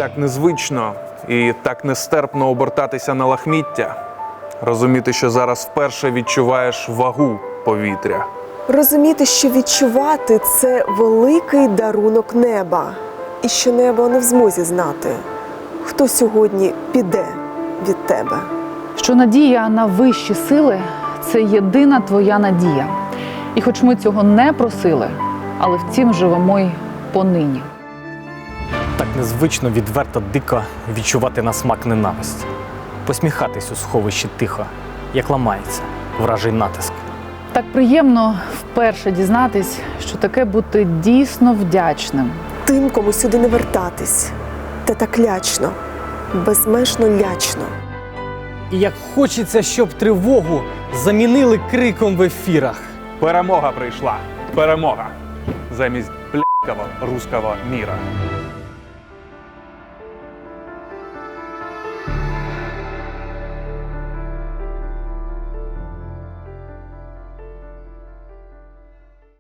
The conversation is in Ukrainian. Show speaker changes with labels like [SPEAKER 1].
[SPEAKER 1] так незвично і так нестерпно обертатися на лахміття. Розуміти, що зараз вперше відчуваєш вагу повітря.
[SPEAKER 2] Розуміти, що відчувати – це великий дарунок неба. І що небо не в змозі знати, хто сьогодні піде від тебе.
[SPEAKER 3] Що надія на вищі сили – це єдина твоя надія. І хоч ми цього не просили, але втім живемо й понині.
[SPEAKER 4] Так незвично, відверто, дико відчувати на смак ненависті. Посміхатись у сховищі тихо, як ламається вражий натиск.
[SPEAKER 3] Так приємно вперше дізнатись, що таке бути дійсно вдячним.
[SPEAKER 2] Тим, кому сюди не вертатись. Та так лячно, безмежно лячно.
[SPEAKER 5] І як хочеться, щоб тривогу замінили криком в ефірах.
[SPEAKER 1] Перемога прийшла. Перемога. Замість блядського руського міра.